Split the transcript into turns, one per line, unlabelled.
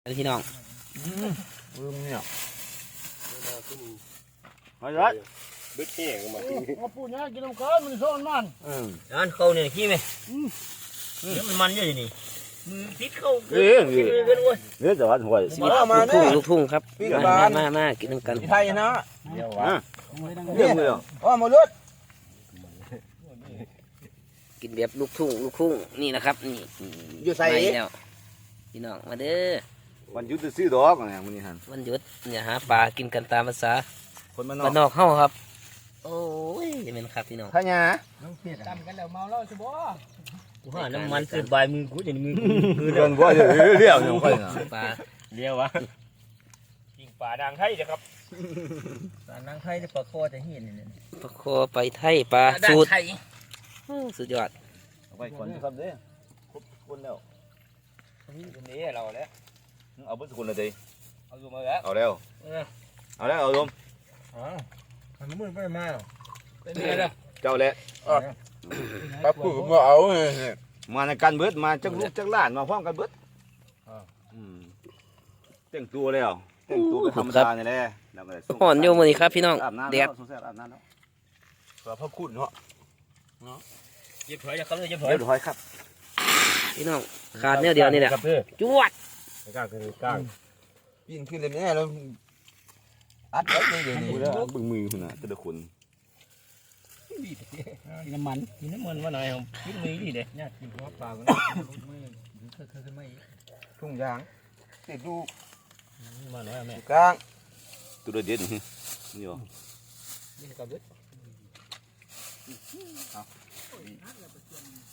พี่น้อง
ลืมเนี่ย
มาเลย
บึ้ดแห้งมา
มาปูเนี่ยกินน้ำกันมันซ้อนมัน
อันเขาเนี่ยขี้ไหมเดี๋ยวมันเยอะอยู่นี่มือติดเข้า
เนี่ยจะวัดหวย
ลูกทุ่งครับมากินน้ำกัน
ไทยนะ
เดี๋ยววะเรื่องเลยเหรอ
ว่ามาลุด
กินแบบลูกทุ่งนี่นะครับนี่
อยู่ใส่
แล้วพี่น้องมาเด้อ
วันหยุดจะซื้อดอกอะไรมึงนี่ฮัน
วันหยุดเนี่ยหาปลากินกันตามภาษา
คนมาน
บ้านนอกเฮาครับโอ้ยจะเป็นครับพี่น้อง
ข้าหยา
จำกันแล้วเมาแล้วใช่บ่
กูหาน้ำมันขึ้นใบมือกูจะมือ
เรื่องว่าเรียวอย่างค่อยนะ
ปลา
เลี้ยววะยิงป่าดังไทยนะครับ
ปลานังไทยได้ปลาคอจะเห็นนี่
ปลาคอไปไทยปลาสูตรสุดยอด
ไปก่อนครับเด้ครบคนแล้ว
นี่เราแล้ว
เอาเบิ้ลคนเลยดิ
เอาอยู่มาแล้ว
เอาแล้วเอาลม
มันมืดไปมา
เป็นไงล่ะ
เจ้าแล้ว
ปั๊บกูมาเอา
มาในการเบิดมาจักลูกจักหลานมาพร้อมกันเบิดแต่งตัวแล้วแต่งตัวเป็นธรรมดาเนี่ยแหละแล้วก็
ห่อนโยมนี่ครับพี่น้อง
อาบน้ำ
แด
แล้ว
ด
สงสัยอาบน้ำแล้ว
พระคุณเนาะเย็บถอยนะครับเย็บถอย
เรียบร้อยครับ
พี่น้องขาดเนี่ยเดียวนี่แหละจวด
กลางคือกลาง
ยิงขึ้นเลยแน่แล้วอัดไว้เลยเดี๋ยวนี้แล้วบึงมือคุณน่ะแต่ละคน
กินน้ำมัน
ว่าหน่อยผมกินมือดิเด็ก
เนี่ยกินหัวปลากันมือขึ้นไม่
ทุ่งยางติดลูก
มาหน่อยแม่
กลาง
ตัวเด็ดนี่หรอ
นี่กับเด็ด